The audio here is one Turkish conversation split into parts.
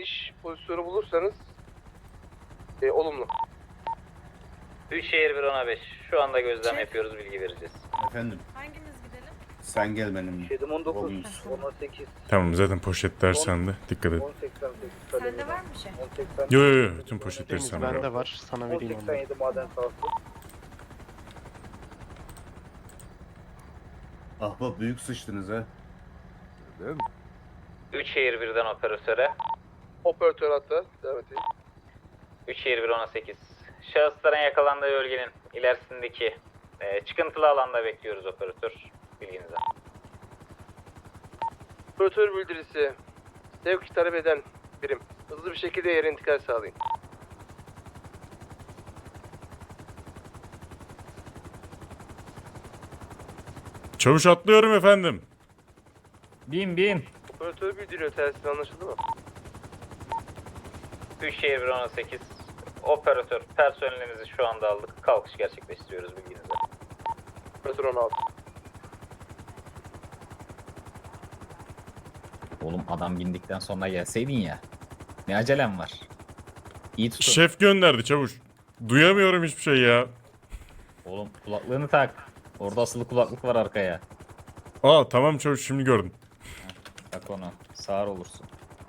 iniş pozisyonu bulursanız olumlu. 3 şehir 1 10 5. Şu anda gözlem yapıyoruz, bilgi vereceğiz. Efendim Hangimiz gidelim? sen gel benimle. 7 19 Olumsuz. 18 Tamam zaten poşetler sende. Dikkat et. 1088 Sende var mı şey? 1080 Yo yo yo. Tüm poşetleri Deniz sende. bende var. Sana vereyim onu. 1087 maden sahası. Ahbap büyük sıçtınız ha. 3 şehir 1'den operatöre. Operatör hatta devam edeyim. 3 şehir 1 10 8. Şahısların yakalandığı bölgenin ilerisindeki çıkıntılı alanda bekliyoruz operatör. Bilginize. Operatör bildirisi. Sevk talep eden birim. Hızlı bir şekilde yere intikal sağlayın. Çavuş atlıyorum efendim. Bin. Operatör bildiriyor, telsiz anlaşıldı mı? 3 şehir 1 10 8. Operatör personelimizi şu anda aldık. Kalkış gerçekleştiriyoruz, bilginize. Operatör 16. Oğlum adam bindikten sonra gelseydin ya. Ne acelem var. İyi tutun. Şef gönderdi çavuş. Duyamıyorum hiçbir şey ya. Oğlum kulaklığını tak. Orada asılı kulaklık var arkaya. Aa tamam çavuş, şimdi gördüm. Tak onu. Sağır olursun.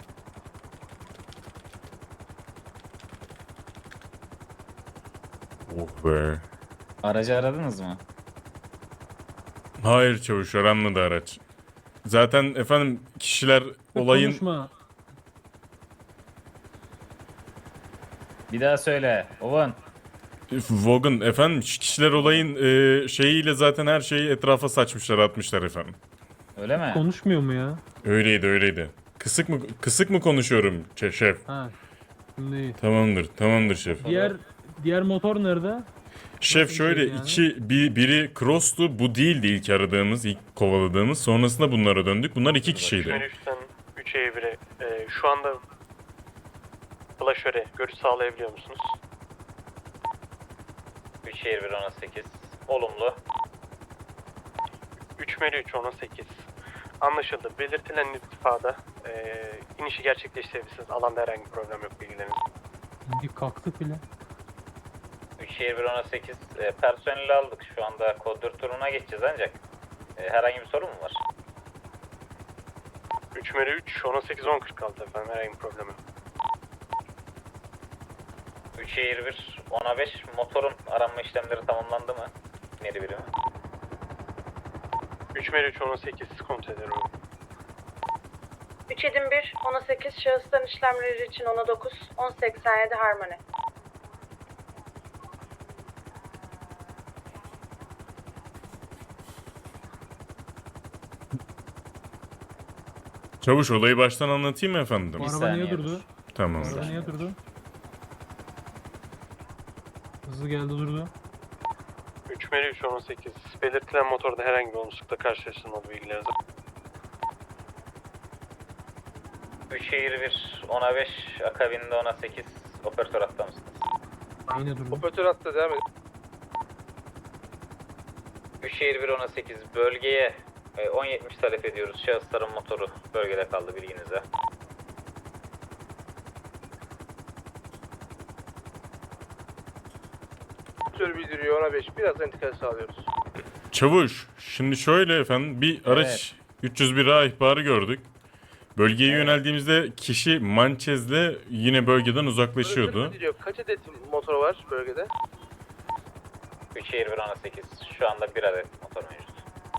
Oh be. Aracı aradınız mı? Hayır çavuş, aranmadı araç. Zaten efendim kişiler olayın... Konuşma. Bir daha söyle. Ovan. Vogan efendim, kişiler olayın şeyiyle zaten her şeyi etrafa saçmışlar, atmışlar efendim. Öyle mi? Konuşmuyor mu ya? Öyleydi. Kısık mı konuşuyorum şef? Ha. Şimdi iyi. Tamamdır şef. Diğer motor nerede? Şef Nasıl şöyle bir şey yani? biri Cross'tu, bu değildi ilk aradığımız, ilk kovaladığımız. Sonrasında bunlara döndük. Bunlar 2 kişiydi. 3'ten 3'e 1'e. Şu anda Flaşöre görüş sağlayabiliyor musunuz? 3 şehir 1 10 8. Olumlu. 3 Meri 3 10 8. Anlaşıldı. Belirtilen irtifada inişi gerçekleştirebilirsiniz. Alanda herhangi bir problem yok, bilgileriniz. Bir kalktık bile. 3 şehir 1 10 8. Personeli aldık. Şu anda kod 4 turuna geçeceğiz ancak. Herhangi bir sorun mu var? 3 Meri 3 18 10 46 efendim, herhangi bir problem yok. 3 şehir 1 10 5. Motorun aranma işlemleri tamamlandı mı? Neri birimi? 3 Meri 3 18 kontrol ederim. 3 Edim 1, 18 şahısların işlemleri için 10'a 9, 1087 Harmony. Çavuş, olayı baştan anlatayım mı efendim? Bu Bir araba niye saniye durdu? dur. Tamam. Bu araba niye durdu? Hızlı geldi durdu. 3 Meri 3 18. Belirtilen motorda herhangi bir olumsuzlukla karşılaşılmadı, bilgileriniz. 3 şehir 1 10 5. Akabinde 10 8. Operatör hatta mısınız? Yine durdu. Operatör hatta devam edin. 3 şehir 1 10 8. Bölgeye 1070 talep ediyoruz. Şahısların motoru bölgede kaldı, bilginize. Operatör bildiriyor 10'a 5. Birazdan intikal sağlıyoruz. Çavuş, şimdi şöyle efendim, bir araç 301A ihbarı gördük. Bölgeye yöneldiğimizde kişi Manchez'le yine bölgeden uzaklaşıyordu. Operatör bildiriyor. Kaç adet motor var bölgede? 3 şehir 1 10 8. Şu anda 1 adet motor mevcut.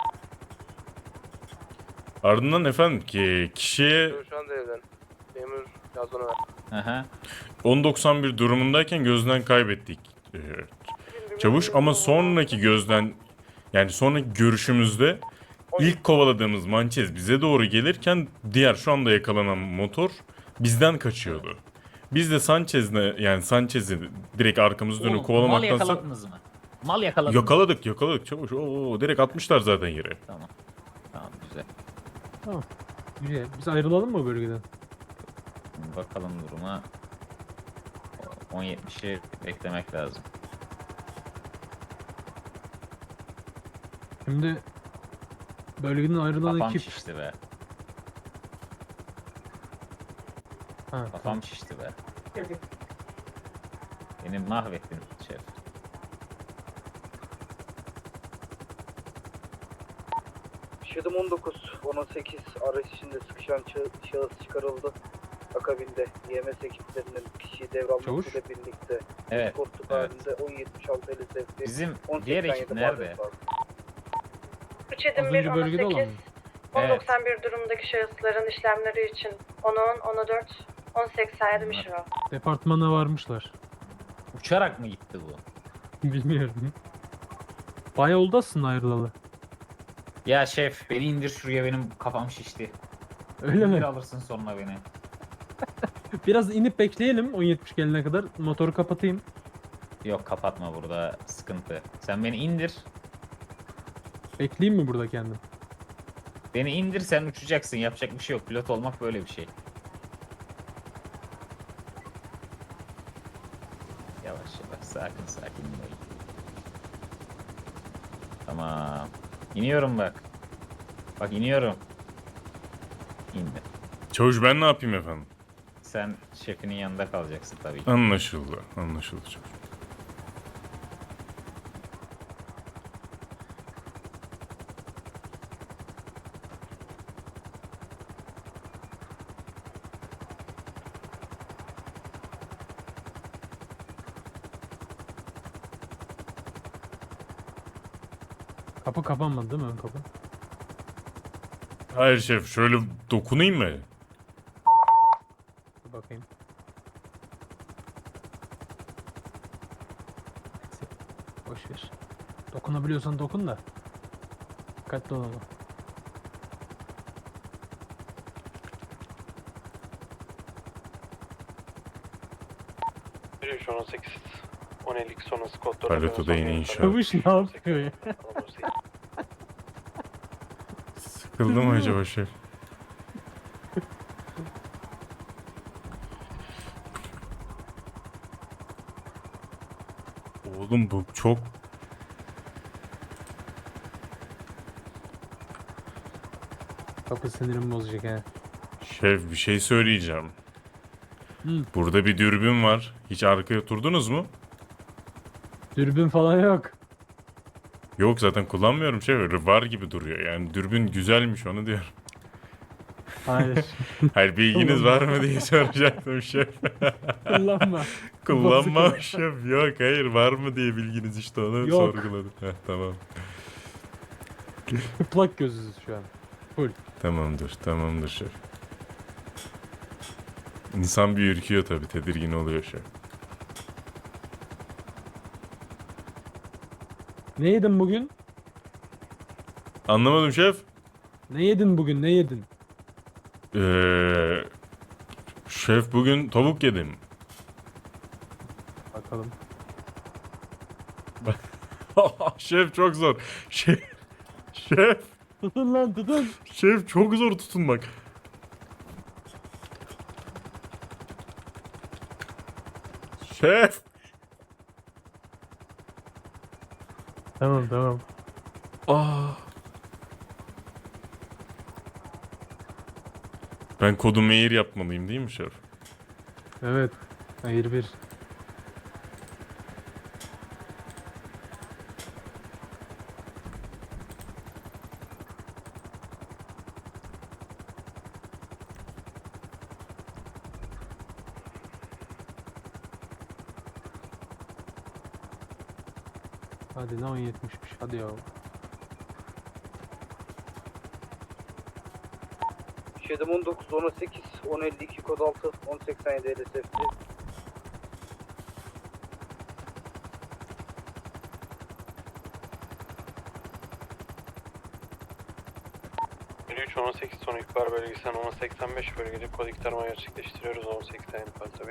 Ardından efendim ki kişiye Şu anda evden. Memur yaz ona ver. Aha. 1091 durumundayken gözden kaybettik. Çavuş, ama sonraki sonraki görüşümüzde ilk kovaladığımız Manchez bize doğru gelirken diğer şu anda yakalanan motor bizden kaçıyordu. Biz de Sanchez'i direkt arkamızı dönüp Oğlum, mal kovalamaktansa yakaladınız mı? Mal yakaladınız mı? yakaladık çavuş. Oo, direkt atmışlar zaten yere. Tamam. Tamam, güzel. Tamam. Güzel. Biz ayrılalım mı bölgeden? Bakalım duruma. 10.70'i beklemek lazım. Şimdi bölgeden ayrılan Kafam ekip şişti be. Ha, Kafam şişti be. Beni mahvettin şef. Şedim 19, 18 araç içinde sıkışan şahıs çıkarıldı. Akabinde YMS ekiplerinin kişiyi Çavuş. devralmasıyla birlikte Evet. kortluk Evet. halinde 1076 LSF'de Bizim diğer ekip nerede? 3 edim Az 1, önce bölgede olan 18, mı? 1091 durumdaki şahısların işlemleri için 10-10, 10-4, 1087 Mişro. Departmana varmışlar. Uçarak mı gitti bu? Bilmiyorum. Bayağı oldu aslında ayrılalı. Ya şef beni indir şuraya, benim kafam şişti. Öyle İndir mi? alırsın sonra beni. Biraz inip bekleyelim 10.70 gelene kadar. Motoru kapatayım. Yok kapatma, burada sıkıntı. Sen beni indir. Bekleyeyim mi burada kendim? Beni indir, sen uçacaksın. Yapacak bir şey yok. Pilot olmak böyle bir şey. Yavaş yavaş, sakin sakin. Tamam. İniyorum bak. Bak iniyorum. İndim. Çavuş ben ne yapayım efendim? Sen şefinin yanında kalacaksın tabii ki. Anlaşıldı. Anlaşıldı çavuş. Kapı kapanmadı değil mi ön kapı? Hayır şef, şöyle dokunayım mı? Bir bakayım. Boş ver. Dokunabiliyorsan dokun da. Dikkatli ol ama. Yürüyüş 18, 1052 sonrası kodları. Paleto da yine inşaat. Çavuş ne yapıyor ya? Sıkıldı mı acaba şef? Oğlum bu çok... Kapı sinirimi bozacak ha. Şef bir şey söyleyeceğim. Hı. Burada bir dürbün var. Hiç arkaya oturdunuz mu? Dürbün falan yok. Yok zaten kullanmıyorum şef. Öyle var gibi duruyor. Yani dürbün güzelmiş onu diyorum. Hayır. Hayır bilginiz var mı diye soracaktım şef. Kullanma. Kullanmam Bozuk. şef. Yok hayır var mı diye bilginiz işte onu Yok. sorguladım. Heh, tamam. Plak gözüz şu an. Tamamdır şef. İnsan bir ürküyor tabii, tedirgin oluyor şef. Ne yedin bugün? Anlamadım şef. Ne yedin bugün? Ne yedin? Şef bugün tavuk yedim. Bakalım. Şef çok zor. Şef. Tutun lan tutun. Şef çok zor tutunmak. Şef. Tamam. Ben kodu mail yapmalıyım değil mi şef? Evet. Hayır bir. Hadi lan 10.70'miş. Hadi ya. Şedim 19, 18, 1052 kod 6, 1087 LSF'de. Yürüyüş 18 sonu ihbar bölgesinden 1085 bölgede kod iktarma gerçekleştiriyoruz 18 tane tabii.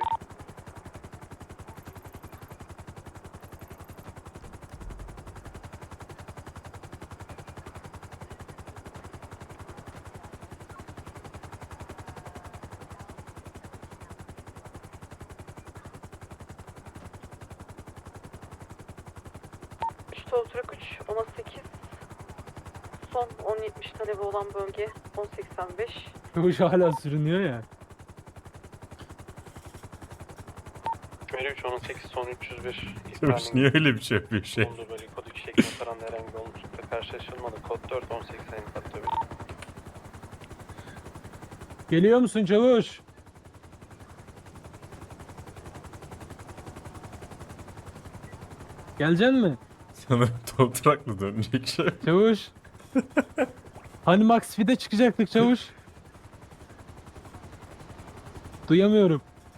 Stoltrak 3, 18, son 1070 talebi olan bölge 1085. Çavuş hala sürünüyor ya. 53 18 son 301. Çavuş niye öyle bir şey yapıyor şey? Bulunduğu bölge kod 2 şeklinde taranda herhangi bir olumsuzlukla karşılaşılmadı. Kod 4 1080 tabii. Geliyor musun çavuş? Geleceksin mi? Sanırım toprakla dönecek şey. Çavuş. Hani Max Fit'e çıkacaktık çavuş. Duyamıyorum.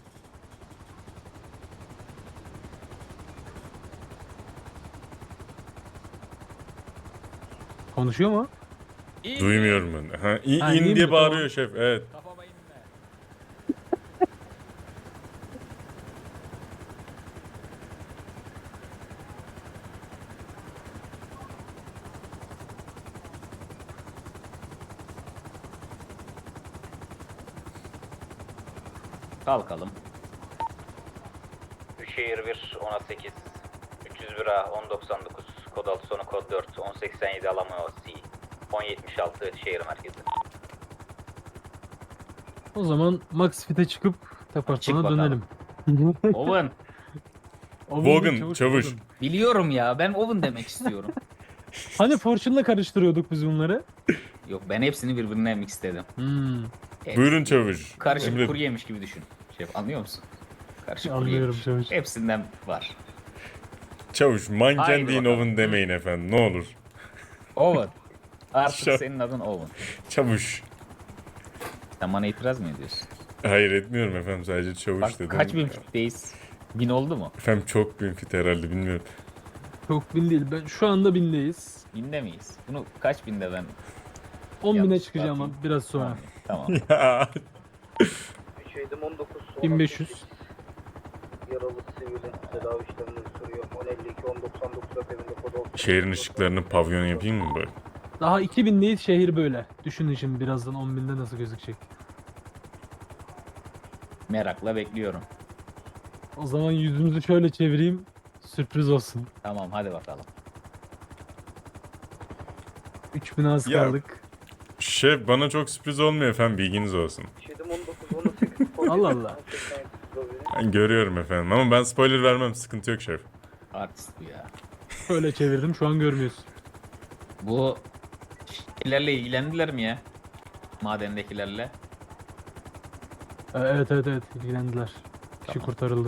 Konuşuyor mu? Duymuyorum ben. Ha, Ha, in iyi diye mi? bağırıyor şef. Evet. Kafama inme. Kalkalım. Büyükşehir 1 10 8 301 A 1099 kod 6 sonu kod 4 1087 Alamo C 1076 şehir merkezi. O zaman Max Fit'e çıkıp Çık departmana bakalım. dönelim. Owen. Vogan, çavuş. Vogan. Biliyorum ya, ben Owen demek istiyorum. Hani Fortune'la karıştırıyorduk biz bunları? Yok, ben hepsini birbirine mixledim. Hepsi Buyurun çavuş. Karışık Emredin. kuru yemiş gibi düşün. Şef, anlıyor musun? Karışık kuru Anlıyorum yemiş. çavuş. Hepsinden var. Çavuş manken Haydi deyin bakalım. Owen demeyin efendim ne olur. Owen. Artık Şef. senin adın Owen. Çavuş. Sen bana itiraz mı ediyorsun? Hayır etmiyorum efendim sadece çavuş Bak, dedim. kaç bin fitteyiz? 1000 oldu mu? Efendim çok bin fit herhalde bilmiyorum. Çok bin değil. Ben şu anda bindeyiz. 1000'de miyiz? Bunu kaç binde ben 10 bine yanlış çıkacağım tartayım? biraz sonra. Tamam. Ya. 3 19 1500. Yaralı sivilin tedavi işlemleri sürüyor. 1052 1099 öpevinde kod 6. Şehrin ışıklarını pavyon yapayım mı böyle? Daha 2000'deyiz şehir böyle. Düşünün şimdi birazdan 10.000'de nasıl gözükecek. Merakla bekliyorum. O zaman yüzümüzü şöyle çevireyim. Sürpriz olsun. Tamam, hadi bakalım. 3000 az Ya. kaldık. Şef bana çok sürpriz olmuyor efendim bilginiz olsun. 19 18 kod Allah 7, Allah. 1087 problemi. Ben görüyorum efendim ama ben spoiler vermem sıkıntı yok şef. Artist bu ya. Şöyle çevirdim şu an görmüyorsun. Bu şeylerle ilgilendiler mi ya? Madendekilerle. Evet ilgilendiler. Kişi Tamam. kurtarıldı.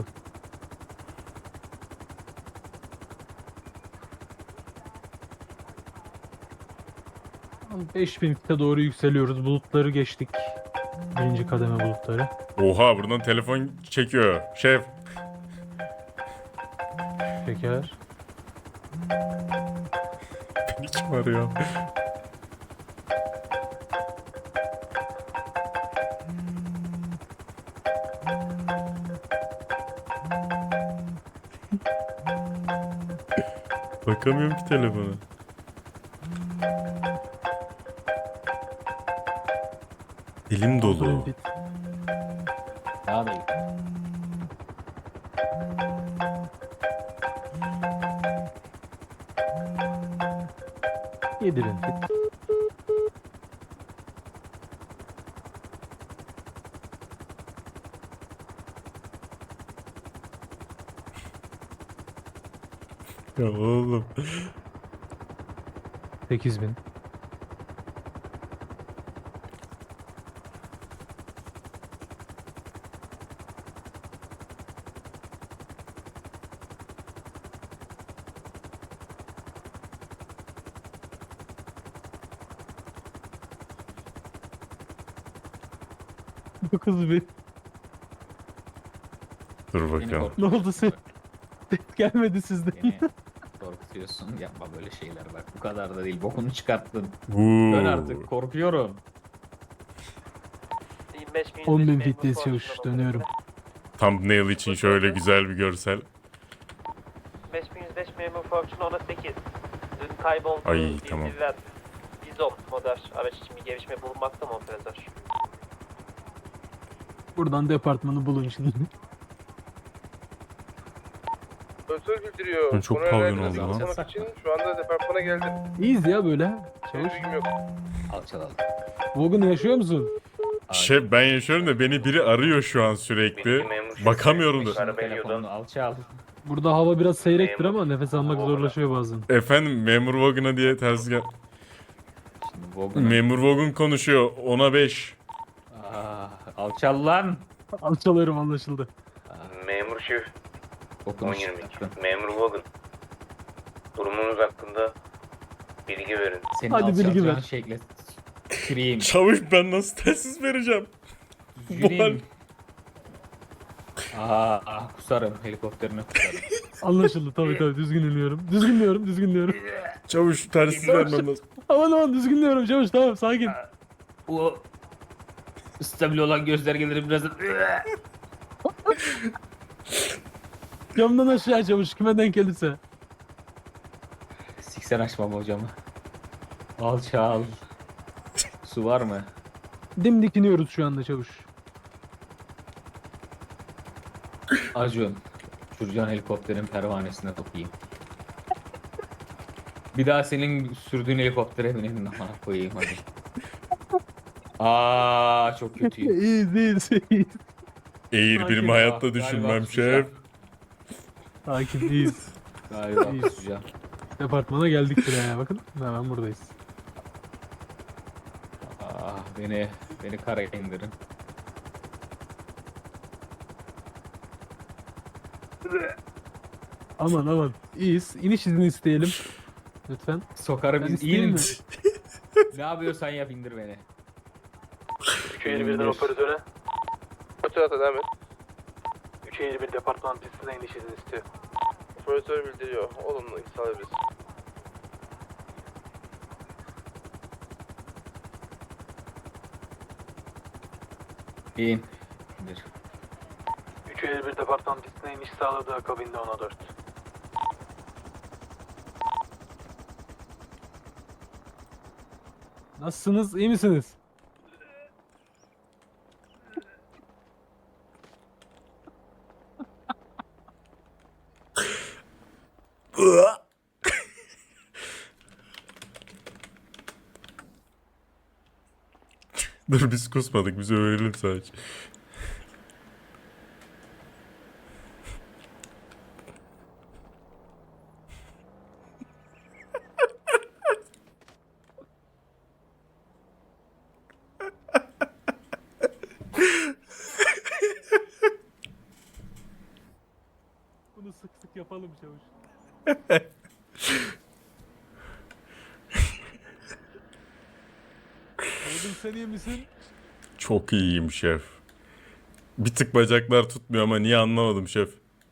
Tamam, 5000 fite doğru yükseliyoruz. Bulutları geçtik. Birinci kademe bulutları. Oha buradan telefon çekiyor. Şef. Şeker. Beni kim arıyor? Bakamıyorum ki telefona. Elim dolu. Bit. Daha da iyi. Yedirin fit. Ya oğlum. 8000. Dokuz bin. Dur Beni bakalım. Ne oldu sen? Ses gelmedi sizden. Beni korkutuyorsun. Yapma böyle şeyler bak. Bu kadar da değil. Bokunu çıkarttın. Uuu. Ben artık korkuyorum. 10.000 fitteyiz çavuş. Dönüyorum. Thumbnail için şöyle güzel bir görsel. 5105 memur Fortune 10'a 8. Dün kayboldu. Ay, tamam. Bizok model araç için bir gelişme bulunmakta mı operatör? Buradan departmanı bulun şimdi. Operatör bildiriyor. Çok Konuya pavyon alakalı oldu lan. konuşmak için şu anda departmana geldim. İyiyiz ya böyle. Senin Çavuş. bilgim yok. Alçalalım. Vogan yaşıyor musun? Şef ben yaşıyorum da beni biri arıyor şu an sürekli. Bakamıyorum da. Telefonunu alçal. Burada hava biraz seyrektir ama nefes almak zorlaşıyor bazen. Efendim memur Vogun'a diye ters gel. Şimdi Vogun'un... Memur Vogun konuşuyor. 10'a 5. Alçal lan. Alçalıyorum anlaşıldı. Memur şef, Vogun'u 10-22. çıkarttın. Memur Logan. Durumunuz hakkında bilgi verin. Senin Hadi bilgi alçalacağın ver. şekle tüküreyim. Çavuş ben nasıl telsiz vereceğim? Düzgüneyim. Kusarım. Helikopterine kusarım. Anlaşıldı tabii düzgün iniyorum. Düzgünlüyorum. Çavuş telsiz vermem lazım. Aman düzgünlüyorum çavuş tamam sakin. O stabil olan göstergeleri biraz... Camdan aşağı çavuş kime denk gelirse. Siksen açmam hocamı. Alçal. Su var mı? Dimdik iniyoruz şu anda çavuş. Acun. Şuracan helikopterin pervanesine sokayım. Bir daha senin sürdüğün helikoptere bineyim amına koyayım hadi. Çok kötüyüm. İyiyiz. Eğir Sakin birimi ol. hayatta Galiba düşünmem kusacağım. şef. Sakin iyiyiz. Galiba İyi. kusacağım. Departmana geldik bile ya bakın. Hemen buradayız. Beni karaya indirin. Aman. İyiyiz. İniş izni isteyelim. Lütfen. Sokarı Ben biz isteyeyim inin. mi? Ne yapıyorsan yap indir beni. 351'den operatöre. Operatör devam et. 351 departman pistine iniş izni istiyor. Operatör bildiriyor. Olumlu sağlayabiliriz. İn. İndir. 351 departman pistine iniş sağladı akabinde 10'a 4. Nasılsınız? İyi misiniz? Dur biz kusmadık biz öğrenelim sadece. Bunu sık sık yapalım çavuş. Oğlum sen iyi misin? Çok iyiyim şef. Bir tık bacaklar tutmuyor ama niye anlamadım şef.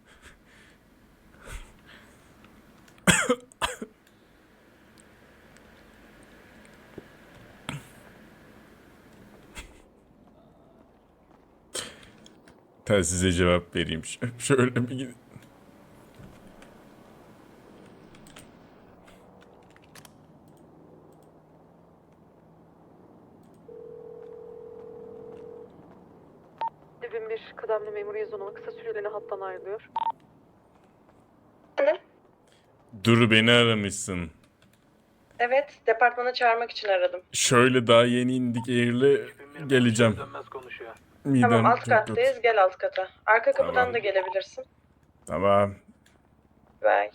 Telsize cevap vereyim şef. Şöyle bir gidin. Dibin bir kıdemli memur yazılımı kısa süreliğine hattan ayrılıyor. Dur beni aramışsın. Evet, departmana çağırmak için aradım. Şöyle daha yeni indik Eğir'le geleceğim. Dönmez konuşuyor. Midem Tamam, alt çok kattayız. kötü. Gel alt kata. Arka kapıdan Tamam. da gelebilirsin. Tamam. Bye.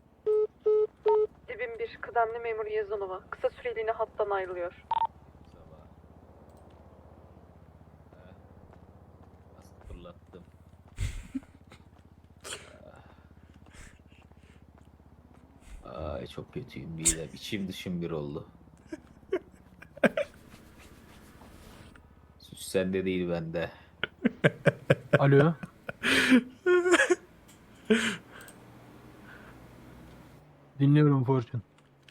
Dibin bir kıdemli memur Yazanova kısa süreliğine hattan ayrılıyor. Nasıl fırlattım. Ay çok kötüyüm midem. İçim dışım bir oldu. Suç sende değil bende. Alo. Dinliyorum Fortune.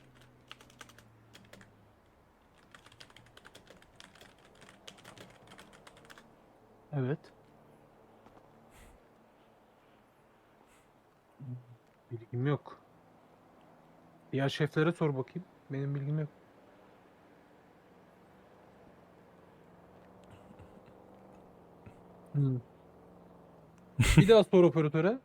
Evet. Bilgim yok. Diğer şeflere sor bakayım. Benim bilgim yok. Hmm. Bir daha sor operatöre.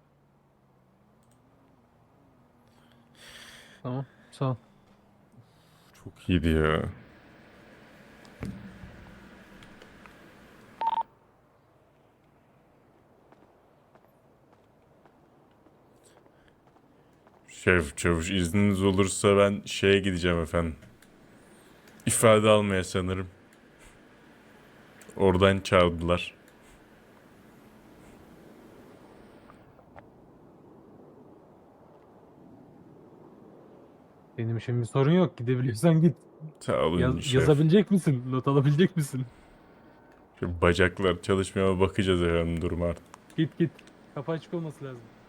Tamam, sağ ol. Çok iyiydi ya. Şef çavuş izniniz olursa ben şeye gideceğim efendim. İfade almaya sanırım. Oradan çağırdılar. Benim için bir sorun yok. Gidebiliyorsan git. Sağ olun şef. Yazabilecek misin? Not alabilecek misin? Şu bacaklar çalışmaya bakacağız efendim duruma artık. Git git. Kapı açık olması lazım.